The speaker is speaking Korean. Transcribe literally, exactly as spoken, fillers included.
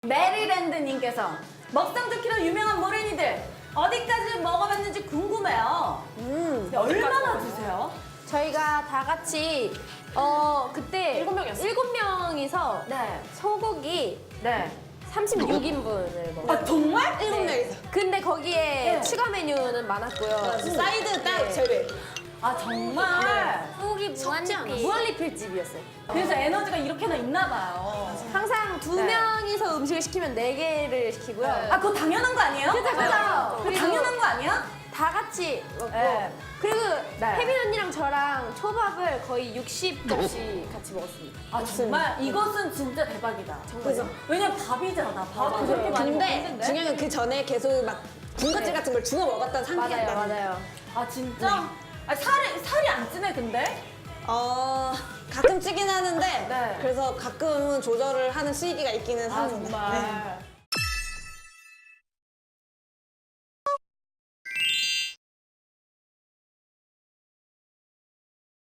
메리랜드님께서 먹성 좋기로 유명한 모래니들 어디까지 먹어봤는지 궁금해요. 음. 얼마나 드세요? 저희가 다 같이 어 그때 일곱 명이었어요. 일곱 명이서 네. 소고기 네. 삼십육 인분을 먹어요. 아 정말? 일곱 명이서. 근데 거기에 네. 추가 메뉴는 많았고요. 사이드 딱 네. 제외. 아 정말? 소고기 섞지 않았어요. 무한리필. 무한리필집이었어요. 그래서 에너지가 이렇게나 있나 봐요. 항상 두 네. 명이서 음식을 시키면 네 개를 시키고요. 아 그거 당연한 거 아니에요? 그죠, 그죠. 그거 그리고 당연한 거 아니야? 다 같이 먹고 네. 그리고 네. 혜민 언니랑 저랑 초밥을 거의 육십 접시 같이 먹었습니다. 아 정말 이것은 진짜 대박이다. 그죠. 왜냐면 밥이잖아. 밥은 그렇게 많이 근데 먹는데. 중요한 건 그 전에 계속 막 군것질 같은 걸 주워 먹었던 상태였다. 맞아요, 맞아요. 아 진짜? 아 살이 살이 안 찌네 근데? 어 가끔 찌긴 하는데 네. 그래서 가끔은 조절을 하는 시기가 있기는 아 합니다. 정말.